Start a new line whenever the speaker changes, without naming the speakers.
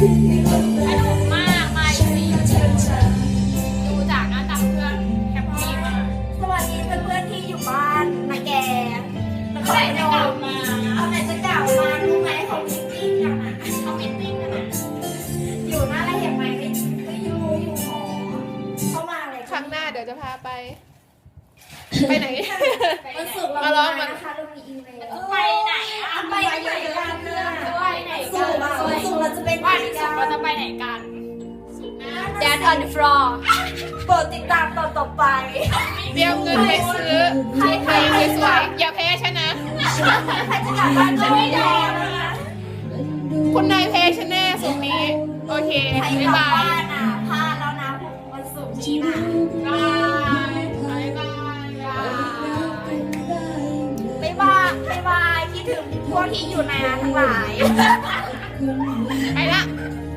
นุกมากมาอีกทีดูจากหน้าตาเพื่อนแฮปปี้มาก
สวัสดีเพื่อนๆที่อยู่บ้านนะแก
เมื่อไหร่จะกลับมา
เอาไหนจะกลับมารู้ไหมเขามิตติ้งกันอ่ะ
เขามิตติ้งกันนะ
อยู่หน้าอะไรเห็นไหมก็อยู่หอเข้ามาอะไร
ครั้งหน้าเดี๋ยวจะพาไป ไปไหน
วันศุกร์เรา
มาล้อม
มา
มัน
นะคะเรามีอีเมล
ไปไหนอะ
ไปไหนกันเนี่ย
ไปไหน
ศุ
กั
ก
น
ร์วันศุกร์เราจะเป็น
วันศุกร์เราจะไปไหนกันศุกร์หน้า
Dance on the floor โปรดติดตามตอนต่อไป
เตรียมเงินไปซื้อเพลงสวยๆอย่าแพ้ฉันนะ
ใครจะกลับบ้านก็ไม่ได้นะคะ
คุณนายแพ้ฉันแน่สุดนี้ โอเค
ใคร
บ๊าก
ลับบ
าย
บ้านอ่ะพลาดแล้วนะวันศุกร์นี้นะ
บายบายบาย
บ๊ายบายบ๊ายบายคิดถึงพวกที่อยู่ในนั้นทั้งหลาย
ไปละ
บ